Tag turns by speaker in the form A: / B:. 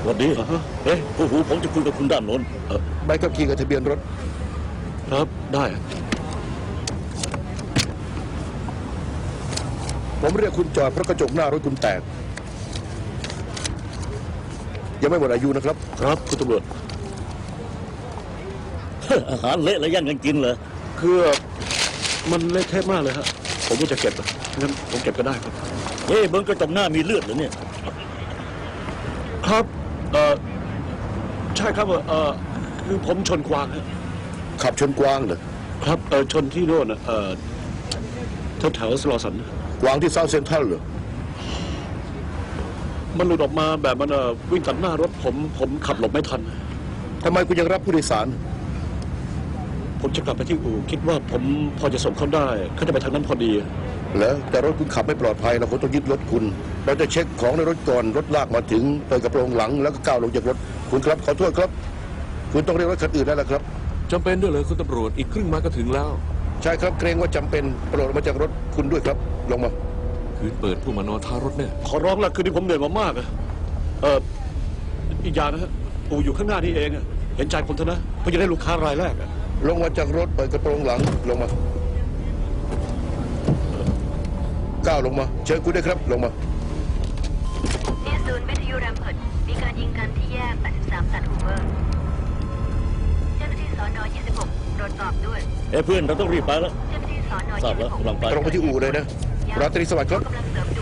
A: สวัสดีเอ๊ะผู้หูผมจะคุยกับคุณด้านโน้น
B: ใบขับขี่กับทะเบียนรถ
C: ครับได้
B: ผมเรียกคุณจอดเพราะกระจกหน้ารถคุณแตกยังไม่หมดอายุนะครับ
C: ครับคุณตำรวจ
A: อาหารเละแล้วยังกันกินเหรอ
C: คือมันเละเทะมากเลยฮะผมก็จะเก็บงั้นผมเก็บก็ได้ครับ
A: เฮ้ยเบิ้งกระจกหน้ามีเลือดเหรอเนี่ย
C: ครับใช่ครับคือผมชนกวางฮะ
B: ขับชนกวางเหรอ
C: ครับชนที่โน่นแถวสโลสัน
B: กวางที่เซาท์เซ็นทรัลเหรอ
C: มันหลุดออกมาแบบมันวิ่งตัดหน้ารถผมขับหลบไม่ทัน
B: ทำไมคุณยังรับผู้โดยสาร
C: ผมจะกลับไปที่อู่คิดว่าผมพอจะส่งเขาได้เขาจะไปทางนั้นพอดี
B: แล้วแต่รถคุณขับไม่ปลอดภัยเราคงต้องยึดรถคุณเราจะเช็คของในรถก่อนรถลากมาถึงเปิดกระโปรงหลังแล้วก็ก้าวลงจากรถคุณครับขอโทษครับคุณต้องเรียกรถคันอื่นได้แล้วครับ
D: จำเป็นด้วยเลยคุณตำรวจอีกครึ่งไม้ก็ถึงแล้ว
B: ใช่ครับเกรงว่าจำเป็นโปรดลงมาจากรถคุณด้วยครับลงมา
D: คืนเปิดผู้มานอนท้ารถแน่
C: ขอร้องละคืนนี้ผมเหนื่อยมามากอีกอย่างนะฮะอู่อยู่ข้างหน้านี่เองเห็นใจผมเถอะนะเพื่อจะได้ลูกค้ารายแรก
B: ลงมาจากรถเปิดกระโปรงหลังลงมาก้าวลงมาเชิญคุณด้วยครับลงมา
E: นี่ศูนย์วิทยุแรมเพิร์ดมีการยิงกันที่แยก83ตัดฮูเวอร์เจ้าหน้าที่สน26ตรวจสอบด้วย
A: เอ้เพื่อนเราต้องรีบไปแล้ว
E: เจ้าหน้าที่สน
A: ทราบแล้วกำลังไป
B: ตรงไปที่อู่เลยนะราตรีสวัสดิ์ครับ
E: กำลังเสริมด่